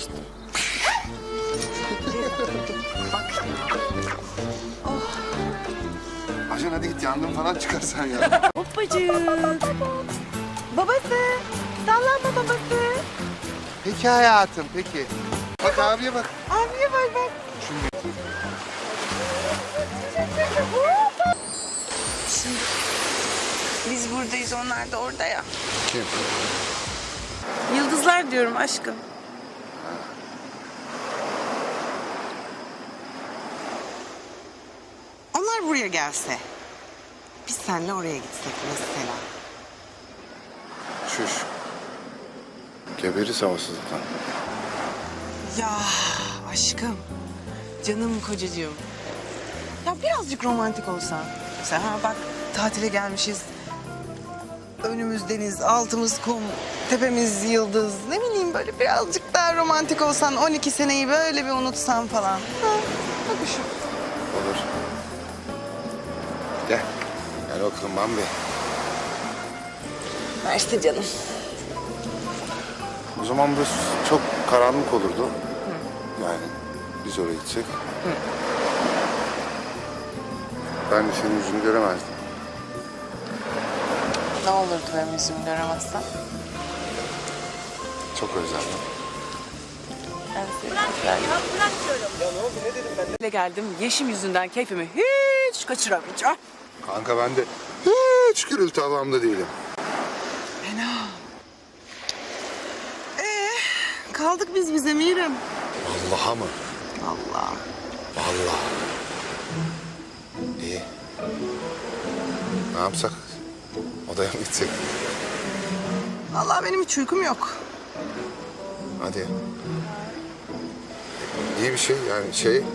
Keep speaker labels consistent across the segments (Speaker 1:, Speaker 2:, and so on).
Speaker 1: işte.
Speaker 2: Ajan hadi git, yangın falan çıkarsan ya.
Speaker 1: Hoppacık. Babası. Sallanma babası.
Speaker 2: Peki hayatım, peki. Bak abiye bak.
Speaker 1: Abiye bak. Şimdi biz buradayız, onlar da orada ya.
Speaker 2: Kim?
Speaker 1: Yıldızlar diyorum aşkım. Onlar buraya gelse, biz seninle oraya gitsek mesela.
Speaker 2: Şuş. Geberiz havasızlıktan.
Speaker 1: Ya aşkım, canım kocacığım. Ya birazcık romantik olsan. Sen ha bak, tatile gelmişiz. Önümüz deniz, altımız kum, tepemiz yıldız. Ne bileyim, böyle birazcık daha romantik olsan, 12 seneyi böyle bir unutsan falan. Ha, bak şu.
Speaker 2: Olur. Gel. Gel bakalım Bambi.
Speaker 1: Mersi canım.
Speaker 2: O zaman burası çok karanlık olurdu. Yani biz oraya gitsek. Ben de senin yüzünü göremezdim.
Speaker 1: Ne olurdu benim yüzümü göremezsem?
Speaker 2: Çok özledim.
Speaker 1: Ben seni çok geldim. Yeşim yüzünden keyfimi hiç kaçıramayacağım.
Speaker 2: Kanka ben de hiç gürültü havamda değilim.
Speaker 1: Kaldık biz bize Mirim.
Speaker 2: Allah'a mı?
Speaker 1: Allah.
Speaker 2: Vallahi. İyi. Ne yapsak? Odaya mı gitsek?
Speaker 1: Allah benim hiç uykum yok.
Speaker 2: Hadi. İyi bir şey yani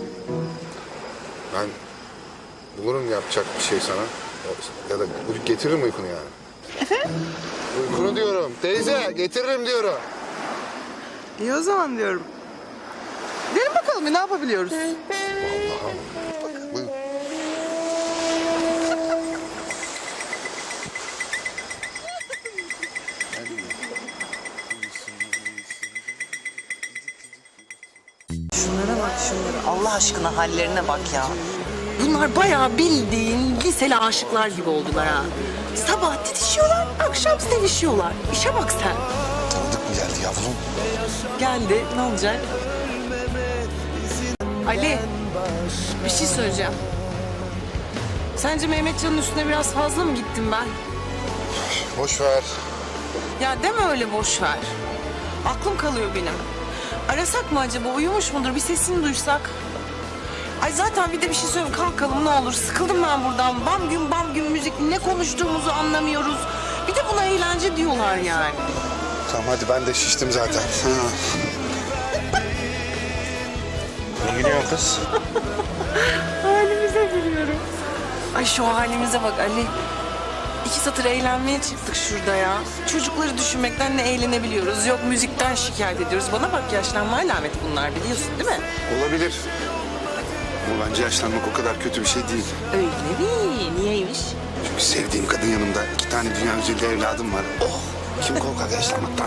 Speaker 2: ben bulurum yapacak bir şey sana. Ya da getiririm uykunu yani.
Speaker 1: Efendim?
Speaker 2: Uykunu diyorum. Teyze getiririm diyorum.
Speaker 1: İyi o zaman diyorum. Gelin bakalım ne yapabiliyoruz?
Speaker 2: Vallahi. Bak, buyur.
Speaker 1: Şunlara bak şunlara. Allah aşkına hallerine bak ya. Bunlar bayağı bildiğin liseli aşıklar gibi oldular ha. Sabah titişiyorlar, akşam sevişiyorlar. İşe bak sen.
Speaker 2: Tanıdık mı geldi yavrum?
Speaker 1: Geldi, ne olacak? Ali, bir şey söyleyeceğim. Sence Mehmetcan'ın üstüne biraz fazla mı gittim ben?
Speaker 2: Boş ver.
Speaker 1: Ya deme öyle, boş ver. Aklım kalıyor benim. Arasak mı acaba? Uyumuş mudur? Bir sesini duysak. Ay zaten bir de bir şey söyleyeyim. Kalkalım ne olur. Sıkıldım ben buradan. Bam gün müzik. Ne konuştuğumuzu anlamıyoruz. Bir de buna eğlence diyorlar yani.
Speaker 2: Tamam hadi, ben de şiştim zaten.
Speaker 3: Ne gülüyorsun kız?
Speaker 1: Halimize gülüyorum. Ay şu halimize bak Ali. 2 satır eğlenmeye çıktık şurada ya. Çocukları düşünmekten ne eğlenebiliyoruz. Yok müzikten şikayet ediyoruz. Bana bak, yaşlanma alameti bunlar, biliyorsun değil mi?
Speaker 2: Olabilir. Ama bence yaşlanmak o kadar kötü bir şey değil.
Speaker 1: Öyle mi? Niyeymiş?
Speaker 2: Çünkü sevdiğim kadın yanımda, 2 tane dünya güzeli evladım var. Oh! Kim korkar yaşlanmaktan?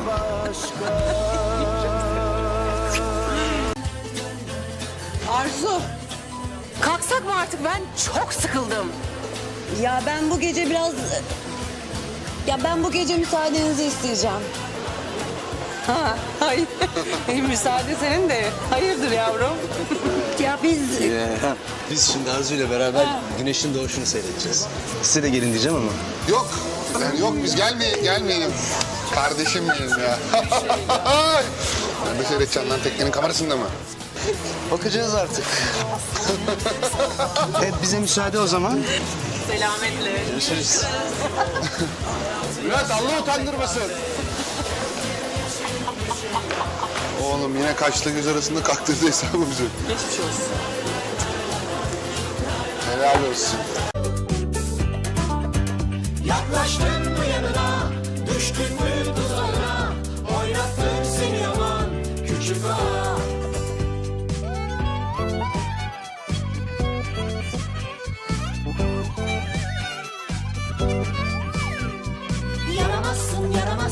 Speaker 1: Arzu. Kalksak mı artık? Ben çok sıkıldım.
Speaker 4: Ya ben bu gece biraz... Ya ben bu gece müsaadenizi isteyeceğim.
Speaker 1: Ha, hayır. Müsaade senin de. Hayırdır yavrum?
Speaker 4: Ya biz...
Speaker 3: Biz şimdi Arzu ile beraber güneşin doğuşunu seyredeceğiz. Size de gelin diyeceğim ama.
Speaker 2: Yok. Yok biz gelmeyelim. Kardeşim benim ya. Nerede seyredeceğim lan, teknenin kamerasında mı?
Speaker 3: Bakacağız artık. Evet, bize müsaade o zaman.
Speaker 1: Selametle.
Speaker 3: Görüşürüz.
Speaker 2: Bülent, Allah utandırmasın. Oğlum yine kaşla göz arasında kaktırdı hesabımızı.
Speaker 1: Geçmiş olsun.
Speaker 2: Helal olsun.
Speaker 5: Yaklaştın mı yanına, düştün mü